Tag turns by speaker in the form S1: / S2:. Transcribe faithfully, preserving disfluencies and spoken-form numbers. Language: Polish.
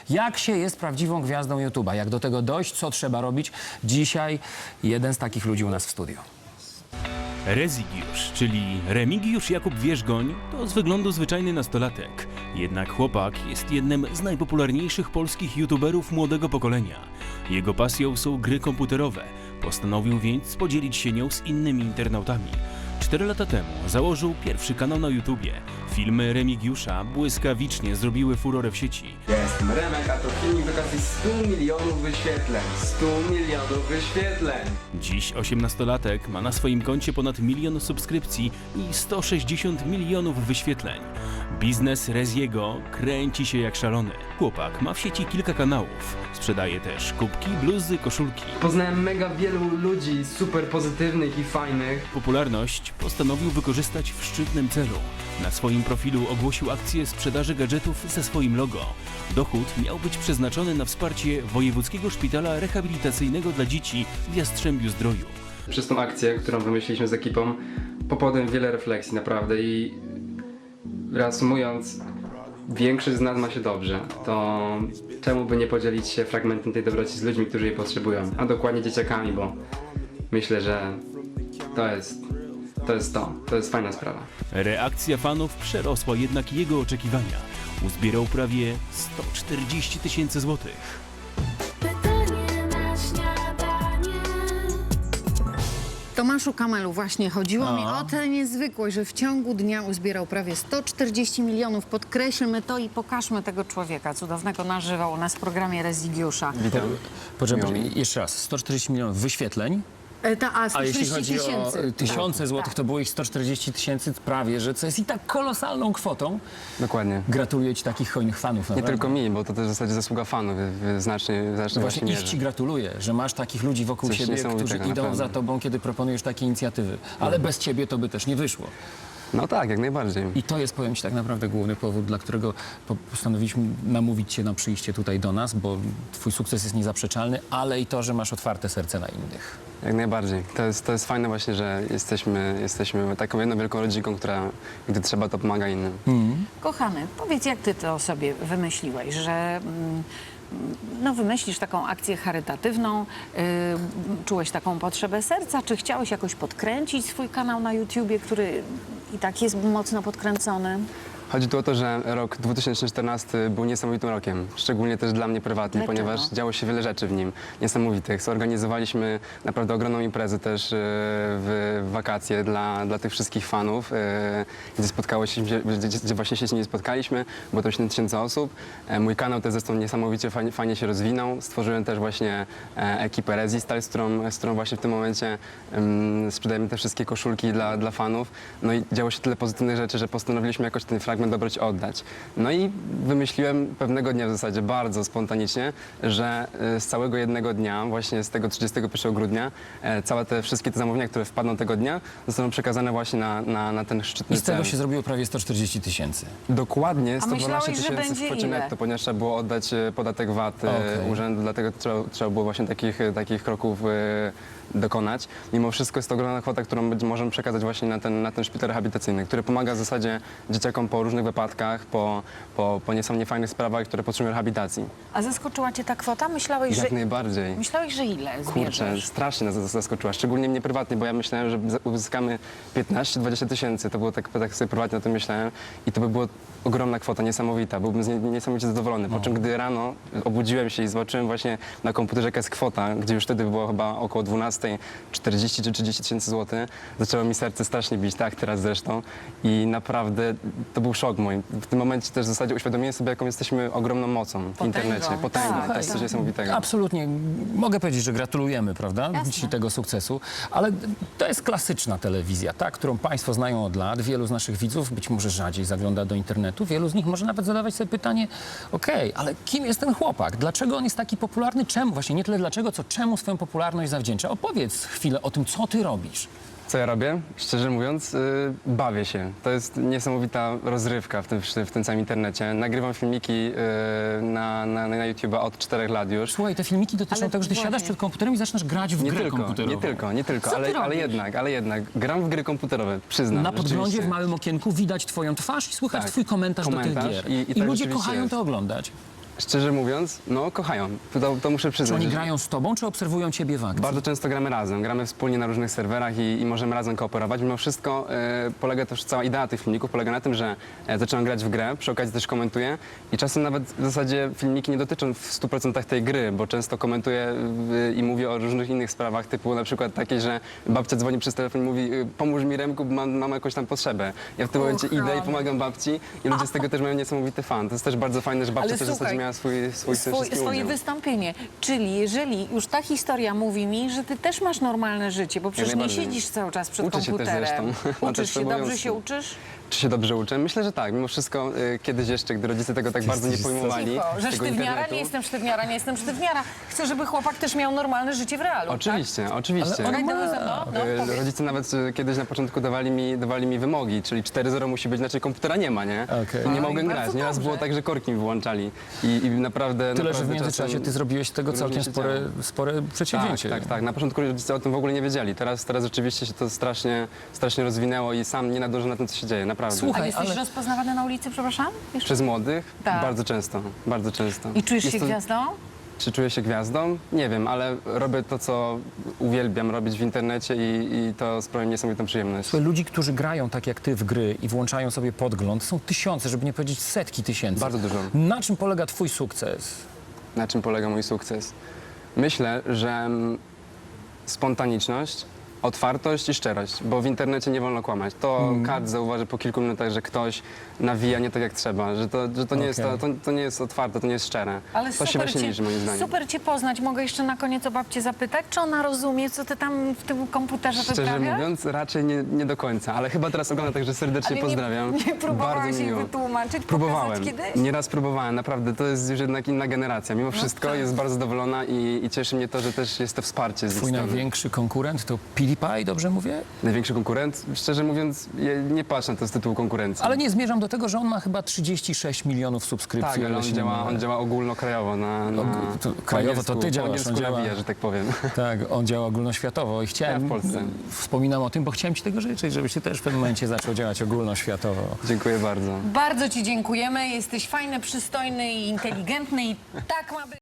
S1: Jak się jest prawdziwą gwiazdą YouTube'a? Jak do tego dojść? Co trzeba robić? Dzisiaj jeden z takich ludzi u nas w studiu.
S2: Rezygiusz, czyli Remigiusz Jakub Wierzgoń, to z wyglądu zwyczajny nastolatek. Jednak chłopak jest jednym z najpopularniejszych polskich youtuberów młodego pokolenia. Jego pasją są gry komputerowe. Postanowił więc podzielić się nią z innymi internautami. Cztery lata temu założył pierwszy kanał na YouTubie. Filmy Remigiusza błyskawicznie zrobiły furorę w sieci.
S3: Ja jestem Remek, a to filmik z okazji stu milionów wyświetleń. stu milionów wyświetleń!
S2: Dziś osiemnastolatek ma na swoim koncie ponad milion subskrypcji i sto sześćdziesiąt milionów wyświetleń. Biznes Reziego kręci się jak szalony. Chłopak ma w sieci kilka kanałów. Sprzedaje też kubki, bluzy, koszulki.
S3: Poznałem mega wielu ludzi super pozytywnych i fajnych.
S2: Popularność postanowił wykorzystać w szczytnym celu. Na swoim profilu ogłosił akcję sprzedaży gadżetów ze swoim logo. Dochód miał być przeznaczony na wsparcie Wojewódzkiego Szpitala Rehabilitacyjnego dla Dzieci w Jastrzębiu Zdroju.
S3: Przez tą akcję, którą wymyśliliśmy z ekipą, popadłem wiele refleksji naprawdę i reasumując, większość z nas ma się dobrze, to czemu by nie podzielić się fragmentem tej dobroci z ludźmi, którzy jej potrzebują, a dokładnie dzieciakami, bo myślę, że to jest to, jest to, to jest fajna sprawa.
S2: Reakcja fanów przerosła jednak jego oczekiwania. Uzbierał prawie sto czterdzieści tysięcy złotych.
S4: Pytanie na śniadanie.
S5: Tomaszu Kamelu, właśnie chodziło mi o tę niezwykłość, że w ciągu dnia uzbierał prawie sto czterdzieści milionów. Podkreślmy to i pokażmy tego człowieka cudownego na żywo u nas w programie Rezygiusza.
S1: Witam. Poczekaj, jeszcze raz. sto czterdzieści milionów wyświetleń.
S5: E, Ta, a
S1: A
S5: sto
S1: jeśli
S5: czterdzieści
S1: chodzi o
S5: tysięcy.
S1: y, tysiące złotych,
S5: Tak.
S1: to było ich sto czterdzieści tysięcy prawie, że co jest i tak kolosalną kwotą.
S6: Dokładnie.
S1: Gratuluję ci takich hojnych fanów.
S6: Nie
S1: naprawdę.
S6: tylko mi, bo to też w zasadzie zasługa fanów w, w znacznej, w znacznej
S1: Właśnie
S6: właśnie
S1: ich
S6: mierze.
S1: ci gratuluję, że masz takich ludzi wokół
S6: Coś
S1: siebie, którzy
S6: niesamowitego,
S1: idą
S6: naprawdę.
S1: za tobą, kiedy proponujesz takie inicjatywy. Ale bez ciebie to by też nie wyszło.
S6: No tak, jak najbardziej.
S1: I to jest, powiem ci, tak naprawdę główny powód, dla którego po- postanowiliśmy namówić cię na przyjście tutaj do nas, bo twój sukces jest niezaprzeczalny, ale i to, że masz otwarte serce na innych.
S6: Jak najbardziej. To jest, to jest fajne właśnie, że jesteśmy, jesteśmy taką jedną wielką rodzinką, która gdy trzeba, to pomaga innym.
S5: Kochany, powiedz, jak ty to sobie wymyśliłeś, że mm, no, wymyślisz taką akcję charytatywną, yy, czułeś taką potrzebę serca, czy chciałeś jakoś podkręcić swój kanał na YouTubie, który i tak jest mocno podkręcony?
S6: Chodzi tu o to, że rok dwa tysiące czternasty był niesamowitym rokiem, szczególnie też dla mnie prywatnie,
S5: Dlaczego?
S6: ponieważ działo się wiele rzeczy w nim niesamowitych. Zorganizowaliśmy naprawdę ogromną imprezę też e, w wakacje dla, dla tych wszystkich fanów, e, gdzie spotkało się, gdzie, gdzie właśnie się nie spotkaliśmy, było to siedem tysięcy osób. E, Mój kanał też zresztą niesamowicie fajnie, fajnie się rozwinął. Stworzyłem też właśnie e, ekipę Resistyle, z którą, z którą właśnie w tym momencie em, sprzedajemy te wszystkie koszulki dla, dla fanów. No i działo się tyle pozytywnych rzeczy, że postanowiliśmy jakoś ten fragment dobroci oddać. No i wymyśliłem pewnego dnia w zasadzie bardzo spontanicznie, że e, z całego jednego dnia, właśnie z tego trzydziestego pierwszego grudnia, e, całe te wszystkie te zamówienia, które wpadną tego dnia, zostaną przekazane właśnie na, na, na ten szczytny
S1: I z tego
S6: cel.
S1: się zrobiło prawie sto czterdzieści tysięcy.
S6: Dokładnie sto dwanaście
S5: myślałeś, że
S6: tysięcy
S5: będzie
S6: w kwocie
S5: ile?
S6: netto, ponieważ trzeba było oddać e, podatek V A T e,
S1: Okej.
S6: urzędu, dlatego trzeba, trzeba było właśnie takich, e, takich kroków e, dokonać. Mimo wszystko jest to ogromna kwota, którą będzie- możemy przekazać właśnie na ten, na ten szpital rehabilitacyjny, który pomaga w zasadzie dzieciakom po różnych wypadkach, po, po, po niesamownie fajnych sprawach, które potrzebują rehabilitacji.
S5: A zaskoczyła cię ta kwota? Myślałeś,
S6: Jak
S5: że...
S6: najbardziej.
S5: Myślałeś, że ile
S6: Kurczę,
S5: zbierzesz?
S6: strasznie nas zas- zaskoczyła, szczególnie mnie prywatnie, bo ja myślałem, że za- uzyskamy piętnaście dwadzieścia tysięcy, to było tak, tak sobie prywatnie o tym myślałem i to by była ogromna kwota, niesamowita, byłbym z niej niesamowicie zadowolony, po czym gdy rano obudziłem się i zobaczyłem właśnie na komputerze jaka jest kwota, gdzie już wtedy było chyba około dwunastej czterdzieści czy trzydzieści tysięcy złotych, zaczęło mi serce strasznie bić, tak teraz zresztą i naprawdę to był szok mój. W tym momencie też w zasadzie uświadomiłem sobie, jaką jesteśmy ogromną mocą w
S5: Potęgą.
S6: internecie, potęgą,
S5: Tak,
S6: to jest coś
S5: tak.
S6: niesamowitego.
S1: Absolutnie. Mogę powiedzieć, że gratulujemy, prawda?
S5: Jasne.
S1: Ci tego sukcesu. Ale to jest klasyczna telewizja, ta, którą państwo znają od lat. Wielu z naszych widzów być może rzadziej zagląda do internetu. Wielu z nich może nawet zadawać sobie pytanie, okej, ale kim jest ten chłopak? Dlaczego on jest taki popularny? Czemu? Właśnie nie tyle dlaczego, co czemu swoją popularność zawdzięcza. Opowiedz chwilę o tym, co ty robisz.
S6: Co ja robię? Szczerze mówiąc, yy, bawię się. To jest niesamowita rozrywka w tym, w tym całym internecie. Nagrywam filmiki yy, na, na, na YouTube'a od czterech lat już.
S1: Słuchaj, te filmiki dotyczą
S5: Ale
S1: tego, że ty
S5: właśnie.
S1: siadasz przed komputerem i zaczynasz grać w
S6: Nie
S1: grę
S6: tylko,
S1: komputerową.
S6: nie tylko, nie tylko,
S5: Co ty
S6: ale, ale
S5: robisz?
S6: jednak, ale jednak. Gram w gry komputerowe, przyznam.
S1: Na podglądzie
S6: rzeczywiście.
S1: w małym okienku widać twoją twarz i słychać
S6: Tak.
S1: twój komentarz, do
S6: Komentarz
S1: tych gier.
S6: i- i tak
S1: ludzie
S6: rzeczywiście
S1: kochają
S6: jest.
S1: to oglądać.
S6: Szczerze mówiąc, no kochają. To, to muszę
S1: Czy
S6: przyznać.
S1: oni
S6: że-
S1: grają z tobą, czy obserwują ciebie w akcji?
S6: Bardzo często gramy razem, gramy wspólnie na różnych serwerach i, i możemy razem kooperować. Mimo wszystko e, polega też cała idea tych filmików, polega na tym, że e, zaczynam grać w grę, przy okazji też komentuję i czasem nawet w zasadzie filmiki nie dotyczą w stu procentach tej gry, bo często komentuję e, i mówię o różnych innych sprawach, typu na przykład takie, że babcia dzwoni przez telefon i mówi e, pomóż mi Remku, bo mam, mam jakąś tam potrzebę. Ja w tym momencie idę i pomagam babci i ludzie z tego też mają niesamowity fan. To jest też bardzo fajne, że babcia
S5: Ale
S6: też w zasadzie
S5: słuchaj,
S6: miała swój, swój,
S5: Swój,
S6: wszystkim
S5: swoje
S6: udział.
S5: wystąpienie. Czyli jeżeli już ta historia mówi mi, że ty też masz normalne życie, bo przecież nie
S6: najbardziej.
S5: siedzisz cały czas przed
S6: Uczę się też
S5: komputerem.
S6: zresztą. Mam
S5: Uczysz
S6: też
S5: się, dobrze
S6: obowiązki.
S5: się uczysz?
S6: Czy się dobrze uczę? Myślę, że tak. Mimo wszystko y, kiedyś jeszcze, gdy rodzice tego tak bardzo nie pojmowali,
S5: Cicho, że
S6: tego
S5: sztywniara,
S6: internetu.
S5: nie jestem sztywniara, nie jestem sztywniara. Chcę, żeby chłopak też miał normalne życie w realu.
S6: Oczywiście, oczywiście.
S5: Tak? Okej, to ze mną? No,
S6: Y,
S5: powiedz.
S6: Rodzice nawet y, kiedyś na początku dawali mi, dawali mi wymogi, czyli cztery zero musi być, inaczej komputera nie ma, nie?
S1: Okej.
S6: I nie
S5: Oj,
S6: mogłem
S5: bardzo
S6: grać. Nieraz
S5: dobrze.
S6: było tak, że korki mi wyłączali. I, i naprawdę
S1: Tyle, że w
S6: naprawdę
S1: międzyczasie
S6: czasem
S1: ty zrobiłeś z tego
S6: różnie
S1: całkiem
S6: się
S1: spore,
S6: działo.
S1: spore
S6: Tak,
S1: przedsięwzięcie.
S6: tak, tak. Na początku rodzice o tym w ogóle nie wiedzieli. Teraz, teraz rzeczywiście się to strasznie, strasznie rozwinęło i sam nie nadążę na tym, co się dzieje, naprawdę.
S1: Słuchaj,
S5: A jesteś
S1: ale-
S5: rozpoznawany na ulicy, przepraszam? Jeszcze?
S6: Przez młodych?
S5: Tak.
S6: Bardzo często, bardzo często.
S5: I czujesz
S6: Jest
S5: się
S6: to-
S5: gwiazdą?
S6: Czy czuję się gwiazdą? Nie wiem, ale robię to, co uwielbiam robić w internecie i, i to sprawia mi niesamowitą przyjemność.
S1: Słuchaj, ludzi, którzy grają tak jak ty w gry i włączają sobie podgląd, są tysiące, żeby nie powiedzieć setki tysięcy.
S6: Bardzo dużo.
S1: Na czym polega twój sukces?
S6: Na czym polega mój sukces? Myślę, że mm, spontaniczność, otwartość i szczerość, bo w internecie nie wolno kłamać. To
S1: Mm.
S6: każdy zauważy po kilku minutach, że ktoś nawija nie tak jak trzeba, że to, że to, nie, jest, to,
S1: Okej.
S6: to, to nie jest otwarte, to nie jest szczere.
S5: Ale
S6: to
S5: super
S6: się właśnie
S5: cię,
S6: liczy moim zdaniem.
S5: super cię poznać. Mogę jeszcze na koniec o babcię zapytać, czy ona rozumie, co ty tam w tym komputerze
S6: Szczerze
S5: wyprawiasz?
S6: mówiąc, raczej nie, nie do końca, ale chyba teraz ogląda, także serdecznie
S5: Ale
S6: pozdrawiam.
S5: Nie, nie próbowałaś
S6: Bardzo mi
S5: jej
S6: miło.
S5: wytłumaczyć,
S6: Próbowałem.
S5: pokazać kiedyś?
S6: Nieraz próbowałem, naprawdę. To jest już jednak inna generacja. Mimo wszystko
S5: tak.
S6: jest bardzo zadowolona i, i cieszy mnie to, że też jest to wsparcie z ich
S1: Twój
S6: strony.
S1: największy konkurent to PewDiePie, dobrze mówię?
S6: Największy konkurent? Szczerze mówiąc, ja nie patrzę na to z tytułu konkurencji.
S1: Ale nie zmierzam do tego, że on ma chyba trzydzieści sześć milionów subskrypcji.
S6: tak, ale
S1: ale
S6: on
S1: się nie
S6: działa,
S1: mylę.
S6: on działa ogólnokrajowo na, na
S1: Og- to
S6: po
S1: krajowo to
S6: angielsku-
S1: ty
S6: po
S1: działasz,
S6: angielsku
S1: on działa-
S6: nawija, że tak powiem.
S1: Tak, on działa ogólnoświatowo i chciałem...
S6: Ja w Polsce.
S1: Wspominam o tym, bo chciałem ci tego życzyć, żebyś ty też w pewnym momencie zaczął działać ogólnoświatowo.
S6: Dziękuję bardzo.
S5: Bardzo ci dziękujemy. Jesteś fajny, przystojny i inteligentny i tak ma być.